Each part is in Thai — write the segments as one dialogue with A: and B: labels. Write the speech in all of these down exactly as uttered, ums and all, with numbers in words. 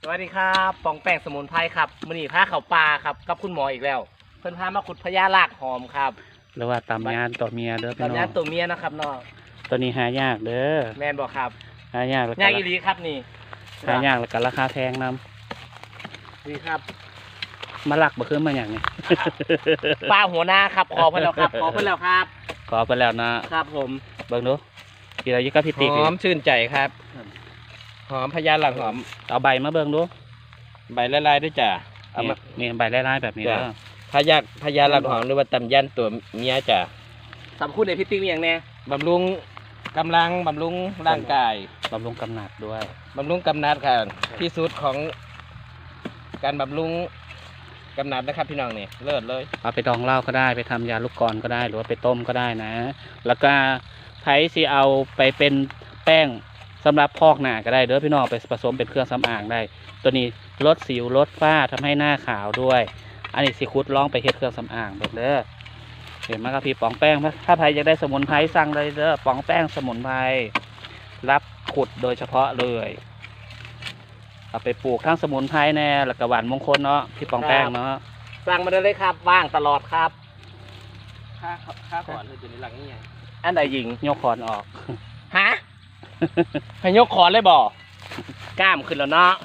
A: สวัสดีครับปองแป้งสมุนไพรครับมือนีผ้าเขาปลาครับกับคุณหมออีกแล้ว เพิ่นพามาขุดพญาลากหอมครับ
B: หรือว่าตำยานตัวเมียเด้อพี่น้อง
A: ตำยานตัวเมียนะครับน้อง
B: ตัวนี้หายากเด้อ
A: แมนบอกครับ
B: หายากแล้ว
A: ยา
B: ก็
A: กอีหลีครับนี่
B: หายากแล้วก็ราคาแพงน
A: นี่ครับ
B: ำมาหลักบ่คือมาอย่างนี้
A: ปลาหัวหน้าครับขอเพิ่นแล้วครับขอเพิ่นแล้วครับ
B: ขอไปแล้วนะครับ
A: ผม
B: เบิ่งดูกี่เรายึดกับพี่
A: ห
B: ติ๊ก
A: อมชื่นใจครับหอมพญาลากหอม
B: เอาใบมาเบิ่งดู
A: ใบละลายด้วยจ้ะเอา
B: นี่
A: มา
B: นี่ใบไล่ๆแบบนี้เด้อ
A: พญาพญาลากหอมหรือว่าตำยันตัวเมียจ้ะสำคุณในพี่ติ๊กมีอย่างแน่บำรุงกำลังบำรุงร่างกาย
B: บำรุงกำหนัดด้วย
A: บำรุงกำนัดค่ะที่สุดของการบำรุงกำนัดนะครับพี่น้องนี่เลิศเลย
B: เอาไปดองเหล้าก็ได้ไปทำยาลูกกรอนก็ได้หรือว่าไปต้มก็ได้นะ แล้วก็ไผสิเอาไปเป็นแป้งสำหรับพอกหน้าก็ได้เด้อพี่น้องไปผสมเป็นเครื่องสำอางได้ ตัวนี้ลดสิวลดฝ้าทำให้หน้าขาวด้วย อันนี้สิคุดลองไปเฮ็ดเครื่องสำอางเด้อเด้อเห็นไหมครับพี่ป๋องแป้งถ้าใครอยากได้สมุนไพรสั่งเลยเด้อป๋องแป้งสมุนไพรรับขุดโดยเฉพาะเลยเอาไปปลูกทั้งสมุนไพรแน่แล้วก็หวานมงคลเนาะพี่ป๋องแป้งเนาะ
A: สั่งมาได้เลยครับว่างตลอดครับค่าค่าขอนเลยตัวนี้หลังนี่ไงอันใดหญิง
B: ยกคอนออก
A: ฮะ ให้ยกขอนเลยบ่กล้ามขึ้นแล้วเนาะ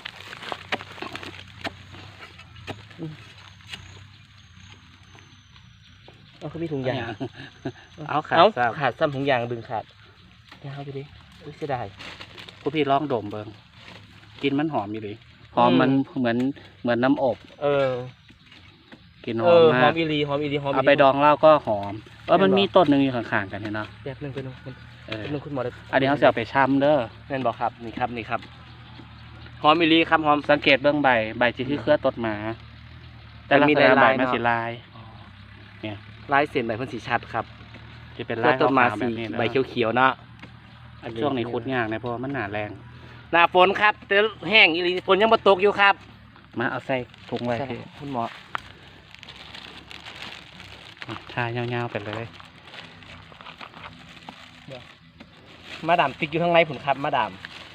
A: เอาเขามีถุงยาง
B: เอาขาด
A: เอา
B: ซ้
A: ขาดซ้ำถุงยางดึงขาดยาวไปดิอุ้ยเสียดาย
B: ำผู้พี่ลองดมเบิ่งกินมันหอมอยู่ดิหอม
A: อืม
B: มันเหมือนเหมือนน้ำอบ
A: เออ
B: กินห
A: เอ
B: อม
A: อห
B: มา
A: อก มอีหลีหอมอีหลีหอม
B: เอาไปดองเหล้าก็หอมเออมัน
A: เห็นบ่
B: มีต้นหนึ่งอยู่ข้างๆกันเห็นเนาะ
A: แป๊บหนึงแป๊บหนึง
B: เออ
A: แป๊บหนึงคุณหมอได้
B: อันนี้เขาจะเอาไปช้ำเด้อ
A: แม่นบอกครับนี่ครับนี่ครับหอมอีหลีครับหอม
B: สังเกตเบื้องใบใบจีที่เครือต้นหมา แต่
A: มัน
B: ลัก
A: มี
B: ษณะใบ
A: ลายๆ
B: มัน
A: เนาะ
B: สีลาย
A: ลายเส้นใบเพิ่นสีชัดครับ
B: จะเป็น
A: แล้
B: ลา
A: วย ต้นมา
B: ขาวๆแบ
A: สี
B: บนี้นะ
A: ใบเขียวๆเนาะ
B: ช่วงนี้คุดยากนะเพราะว่ามันหนาแรง
A: หน้าฝนครับแต่แห้งอีหลีฝนยังบ่ตกอยู่ครับ
B: มาเอาใส่ถุงไว้
A: ใช่
B: พี่
A: คุณหมอ
B: ทายาวๆไปเลย
A: มาดามติ๊กอยู่ข้างในผุนครับมาดาม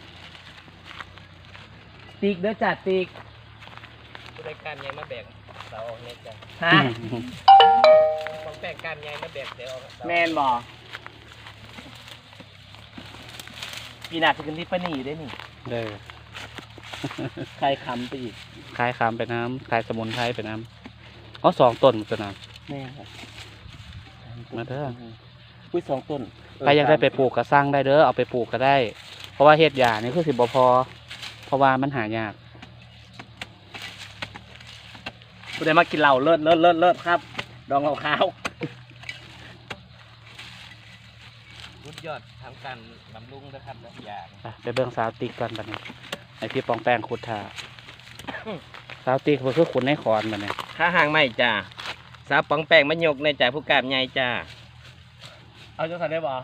A: ติ๊กเด้อจ้ะติ๊กรายการยังมาแบ่งเสาออกเนี่ยจ้ะฮะของแบ่งการยังมาแบ่งเดี๋ยวแมนบอปีหน้าจะขึ้นที่ปนีได้นี่
B: เด้อ
A: ใครคำไปอีก
B: คลายคำไปน้ำคลายสมุนไพรไปน้ำอ๋อสองต้นมันตัวน้
A: แม่ครับ
B: มาเด้อ
A: อุ้ยสองต้น
B: ำใครอยากได้ไปปลูกก็สร้างได้เด้อเอาไปปลูกก็ได้ เพราะว่าเฮ็ดหญ้านี่คือสิบ่พอ เพราะว่ามันหายาก
A: กูได้มากินเหล้าเลิศเลิศเลิศเลิศครับ ดองเหล้าขาวสุดยอดทำการบำรุงนะครับและอย่าง
B: ไปไปเบิ่งสาวติ๊กก่อนบัดนี้ไอพี่ปองแป้งขุดท่าสาวติ๊กมันคือขุดในขอนบัดนี้
A: ข้าห่างไม่จ้าสาวป๋องแป้งมะยกในจ่าผู้กาบใหญ่จ้าเอาจังสันได้บ่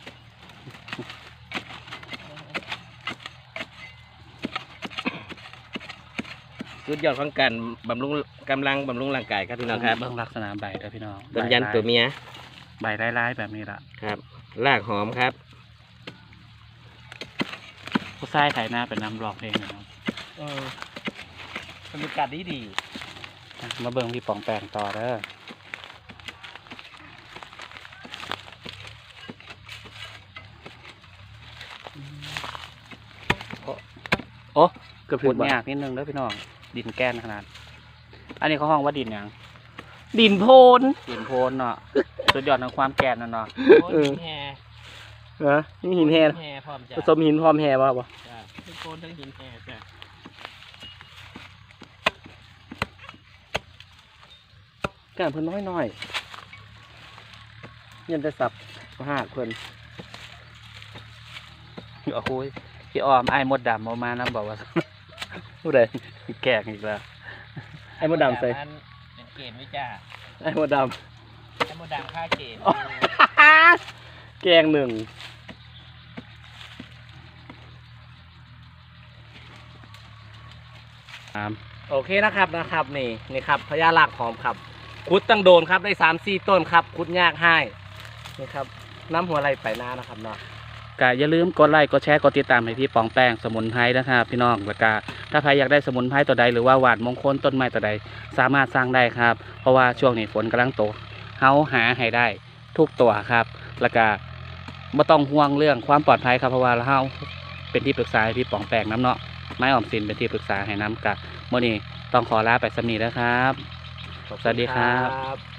A: สุดยอดของการบำรุงกำลังบำรุงร่างกายครับพี่น้องครับ
B: เบิ่งลักษณะใบเด้อพี่น้อง
A: ต้นยันตัวเมีย
B: ใบร้ายๆแบบนี้ล่ะ
A: ครับรากหอมครับ
B: ผู้ชายไถนาเป็นน้ำรอกเพลงเนาะ
A: เออบรรยากาศดีดี
B: มาเบิ่งพี่ปองแป้งต่อเด้อโอ้
A: เกือบถึ
B: ขุ
A: ง
B: ด
A: บ่
B: ยากนิดนึงเด้อพี่น้องดินแก้นขนาด อันนี้เขาห้องว่าดินหยัง
A: ดินโพน
B: ดินโพนเนาะสุดยอดของความแก่นนั่นเนาะ
A: เออเหรอนี่หินแห่
C: แห่พร้อมจ้ะ
A: ผสมหินพร้อมแห่ป่ะบ่
C: จ้ะทั้งโกนทั้งหินแห่จ้ะ
A: กานเพิ่นน้อยน้อยๆยันจะสับหากเพิ่น
B: โอ้โหพี่ออมไอ้มดดำเอามานะบอกว่า
A: ผู้ใด
B: แก่งอีกแล้ว
A: ไอ้มดดำใส่
C: มันเป็นเกณฑ์ไว้จ้ะ
A: ไอ้มดด
C: ไอ้มดดังค่าเกณฑ์
A: ำแกงหนึ่งโอเคนะครับนะครับนี่นี่ครับพญาลากหอมครับคุดตั้งโดนครับได้สามสี่ต้นครับคุดยากให้นี่ครับน้ำหัวไหลไปหน้านะครับเนาะ
B: ก็อย่าลืมกดไลค์กดแชร์กดติดตามให้พี่ปองแป้งสมุนไพรนะครับพี่น้องแล้วก็ถ้าใครอยากได้สมุนไพรตัวใดหรือว่าหวานมงคลต้นไม้ตัวใดสามารถสร้างได้ครับเพราะว่าช่วงนี้ฝนกำลังตกเฮาหาให้ได้ทุกตัวครับแล้วก็ไม่ต้องห่วงเรื่องความปลอดภัยครับเพราะว่าเฮาเป็นที่ปรึกษาให้พี่ป๋องแปลกน้ำเนาะไม้ออมสินเป็นที่ปรึกษาให้น้ำกะเมื่อนี้ต้องขอลาไปสำนีแล้วครับ สวัสดีครับ
A: ขอบคุณ